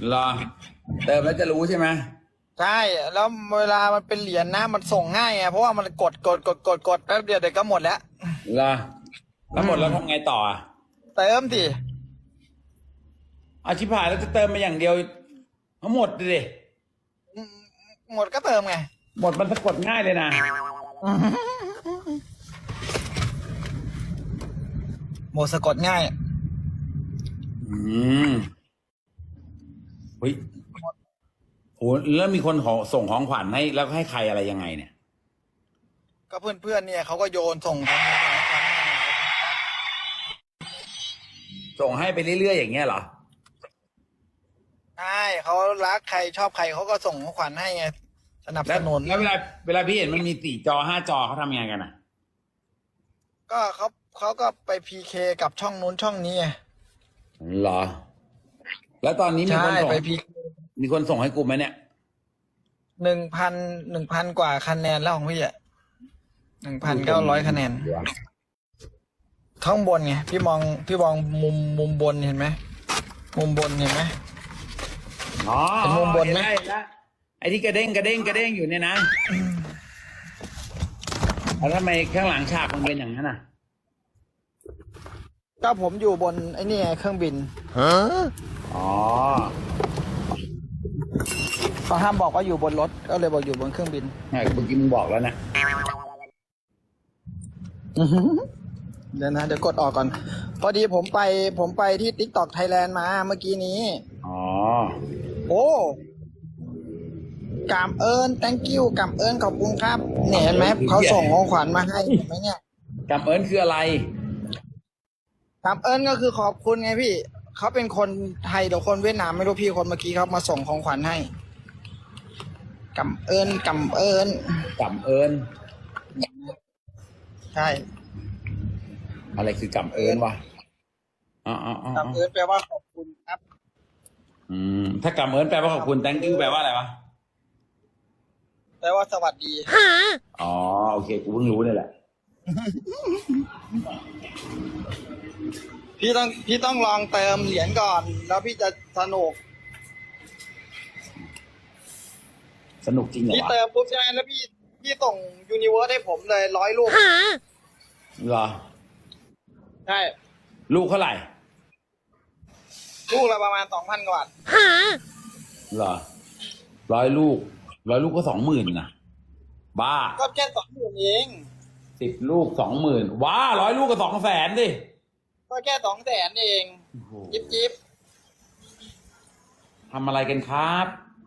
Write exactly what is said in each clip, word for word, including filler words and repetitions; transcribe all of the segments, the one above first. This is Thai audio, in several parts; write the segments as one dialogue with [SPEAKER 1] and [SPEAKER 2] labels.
[SPEAKER 1] เหรอเติมแล้วจะรู้ใช่ไหม
[SPEAKER 2] ใช่แล้วเวลามันเป็นเหรียญนะมันส่งง่ายไงเพราะว่ามันกดกดกดกดกดแป๊บเดียวเดี๋ยวก็หมดแล้ว
[SPEAKER 1] เหรอแล้วหมดแล้วทำไงต่ออ่ะ
[SPEAKER 2] เติมสิ
[SPEAKER 1] อาชิพายแล้วจะเติมมาอย่างเดียวทั้งหมดดิ
[SPEAKER 2] หมดก็เติมไง
[SPEAKER 1] หมดมันสะกดง่ายเลยนะ
[SPEAKER 2] หมดสะกดง่าย
[SPEAKER 1] อืมเฮ้ยโหแล้วมีคนขอส่งของขวัญให้แล้วให้ใครอะไรยังไงเนี่ย
[SPEAKER 2] ก็เพื่อนๆเนี่ยเขาก็โยนส่งของขวัญมา
[SPEAKER 1] ส่งให้ไปเรื่อยๆอย่างเงี้ยเหรอ
[SPEAKER 2] ใช่เขารักใครชอบใครเขาก็ส่งของขวัญให้ไงสนับสนุน
[SPEAKER 1] แล้วเวลาเวลาพี่เห็นมันมีสี่จอห้าจอเขาทำยังไงกันอ่ะ
[SPEAKER 2] ก็เขาเขาก็ไปพีเคกับช่องนู้นช่องนี้ไง
[SPEAKER 1] เหรอแล้วตอนนี้มีคนส่ง
[SPEAKER 2] ไปพี
[SPEAKER 1] มีคนส่งให้กูไหมเนี่ย
[SPEAKER 2] หนึ่งพันหนึ่งพันกว่าคะแนนแล้วของพี่อ่ะหนึ่งพันเก้าร้อยคะแนนข้างบนไงพี่มองพี่มองมุมมุมบนเห็นไหมมุมบนเห็นไหม
[SPEAKER 1] อ๋อ
[SPEAKER 2] เป็นมุมบนไหม
[SPEAKER 1] ไอ้ที่กระเด้งกระเด้งกระเด้งอยู่เนี่ยนะแล้วทำไมข้างหลังฉากมันเป็นอย่างนั้นอ่ะ
[SPEAKER 2] ก็ผมอยู่บนไอ้นี่ไงเครื่องบิน
[SPEAKER 1] ฮะอ๋อ
[SPEAKER 2] เขาห้ามบอกว่าอยู่บนรถก็เลยบอกอยู่บนเครื่องบิน
[SPEAKER 1] ไงเมื่อกี้มึงบอกแล้วนะ
[SPEAKER 2] เดี๋ยวนะเดี๋ยวกดออกก่อนพอดีผมไปผมไปที่ TikTok Thailand มาเมื่อกี้นี้
[SPEAKER 1] อ๋อ
[SPEAKER 2] โอ้กำเอิญ thank you กำเอิญขอบคุณครับเนี่ยเห็นไหมเขาส่งของขวัญมาให้เห็นไหมเนี่ย
[SPEAKER 1] กำเอิญคืออะไร
[SPEAKER 2] กำเอิญก็คือขอบคุณไงพี่เขาเป็นคนไทยหรือคนเวียดนามไม่รู้พี่คนเมื่อกี้เขามาส่งของขวัญให้กำเอิญกำเอิญ
[SPEAKER 1] กำเอิญ
[SPEAKER 2] ใช่
[SPEAKER 1] อะไรคือกำเอิญวะอ๋ออ๋ออ๋อก
[SPEAKER 2] ำเอิญแปลว่าขอบคุณครับ
[SPEAKER 1] อืมถ้ากำเอิญแปลว่าขอบคุณ thank you แปลว่าอะไรวะ
[SPEAKER 2] แปลว่าสวัสดี
[SPEAKER 1] อ๋อโอเคกูเพิ่งรู้นี่แหละ
[SPEAKER 2] พี่ต้องพี่ต้องลองเติมเหรียญก่อนแล้วพี่จะสนุก
[SPEAKER 1] สนุกจริงเหรอ
[SPEAKER 2] พี่เติมปุ๊บใช่ไหมแล้วพี่พี่ส่งยูนิเวิร์สให้ผมเลยร้อยลูก
[SPEAKER 1] เหรอ
[SPEAKER 2] ใช่
[SPEAKER 1] ลูกเท่าไหร่
[SPEAKER 2] ลูกละประมาณสองพันกว่าบาท
[SPEAKER 1] เหรอร้อยลูกร้อยลูกก็สองหมื่นนะบ้า
[SPEAKER 2] ก็แค่สองหมื่นเอง
[SPEAKER 1] สิบลูกสองหมื่นว้าร้อยลูกก็สองแสนดิ
[SPEAKER 2] ก็แค่สองแสนเองจิ๊บจิ๊บ
[SPEAKER 1] ทำอะไรกันครับ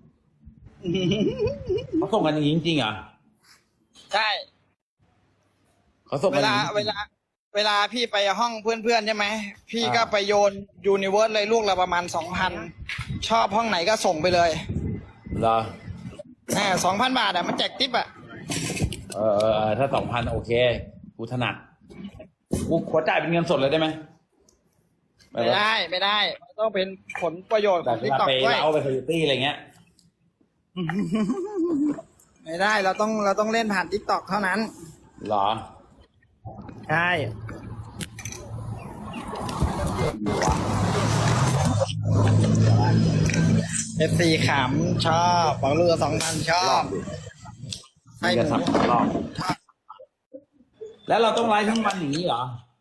[SPEAKER 1] เขาส่งกันอย่างนี้จริงๆเหรอ
[SPEAKER 2] ใช่
[SPEAKER 1] เขาส่ง
[SPEAKER 2] เวลาเวลาเวลาพี่ไปห้องเพื่อนๆใช่ไหมพี่ก็ไปโยนยูนิเวิร์สเลยลูกละประมาณสองพันชอบห้องไหนก็ส่งไปเลย
[SPEAKER 1] เหรอ
[SPEAKER 2] แหมสองพันบาทอ่ะมันแจกทิปอ่ะ
[SPEAKER 1] เออเออถ้าสองพันโอเคกูถนัดกูขอจ่ายเป็นเงินสดเลยได้ไหม
[SPEAKER 2] ไม่ได้ไม่ได้ต้องเป็นผลประโยชน์ของทิกตอกด้วย
[SPEAKER 1] ไปเอาไปคอร์ตี้อะไรเงี้ย
[SPEAKER 2] ไม่ได้เราต้องเราต้องเล่นผ่านทิกตอกเท่านั้น
[SPEAKER 1] เหรอ
[SPEAKER 2] ใช่เอฟซีขำชอบฝังเรือสองพันชอบ
[SPEAKER 1] ให้หมูแล้วเราต้องไลฟ์ทั้งวันอย่างนี้เหรอ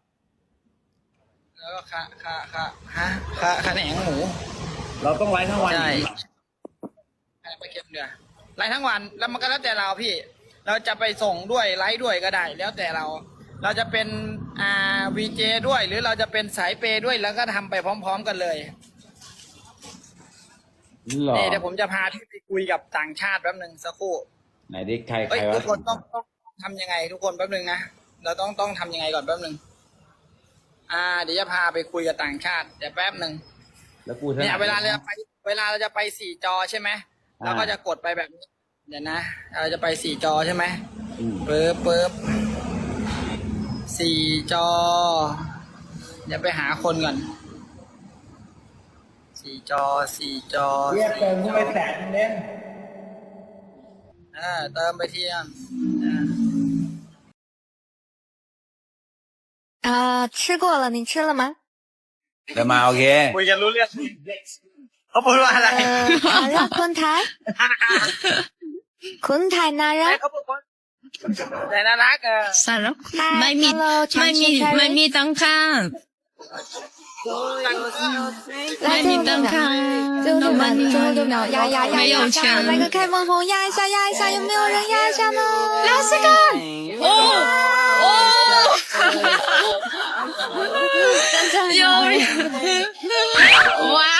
[SPEAKER 2] แล้วก็ค่ะค่ะค่ะฮะค่ะค่ะแหนงหมู
[SPEAKER 1] เราต้องไลฟ์ทั้งวัน
[SPEAKER 2] ใช่ไปเก็บเนื้อไลฟ์ทั้งวันแล้วมันก็แล้วแต่เราพี่เราจะไปส่งด้วยไลฟ์ด้วยก็ได้แล้วแต่เราเราจะเป็นอ่าวีเจด้วยหรือเราจะเป็นสายเปย์ด้วยแล้วก็ทำไปพร้อมๆกันเลยนี่เดี๋ยวผมจะพาที่ไปคุยกับต่างชาติแป๊บหนึ่งสักครู่
[SPEAKER 1] ไหนดิใครใครวะ
[SPEAKER 2] ทุกคนต้องต้องทำยังไงทุกคนแป๊บหนึ่งนะเราต้องต้องทำยังไงก่อนแป๊บหนึ่งอ่าเดี๋ยวจะพาไปคุยกับต่างชาติเดี๋ยวแป๊บหนึ่ง
[SPEAKER 1] แล้วกู
[SPEAKER 2] เนี่ยเวลาเราจะไปเวลาเราจะไปสี่จอใช่ไหมเราก็จะกดไปแบบนี้เดี๋ยวนะเราจะไปสี่จอใช่ไหมปึ๊บปึ๊บสี่จอเดี๋ยวไปหาคนก่อนสี่จอสี่จอ
[SPEAKER 1] เรียกเติมเข้าไปแสนเล่น
[SPEAKER 2] เออเติมไปทีอ่ะ
[SPEAKER 3] 啊，吃过了，你吃了吗？
[SPEAKER 1] เดี๋ยวมาโอเค
[SPEAKER 2] คุยกันรู้เรื่องเขาพูดว่าอะไร
[SPEAKER 3] 好了，坤台，坤台男人
[SPEAKER 2] เขาพูดว่าแต่น่ารักเออ
[SPEAKER 4] 算了，
[SPEAKER 3] 嗨
[SPEAKER 4] ไม่มี
[SPEAKER 3] ，Hello，
[SPEAKER 4] ไม่
[SPEAKER 3] 长
[SPEAKER 4] มี
[SPEAKER 3] 期
[SPEAKER 4] ไม่
[SPEAKER 3] Carry，
[SPEAKER 4] มีตังค์ค่ะ
[SPEAKER 3] 来
[SPEAKER 4] ไม่มี
[SPEAKER 3] 最后
[SPEAKER 4] ตัง
[SPEAKER 3] 六
[SPEAKER 4] ค์ค่ะ
[SPEAKER 3] 秒，最后六秒，最后六秒，压压压
[SPEAKER 4] 没有
[SPEAKER 3] 压压，
[SPEAKER 4] 钱
[SPEAKER 3] 来个开门红，压一下压一下，有没有人压一下呢？老师看，
[SPEAKER 4] 哦哦，
[SPEAKER 3] 真的
[SPEAKER 4] 有人，哇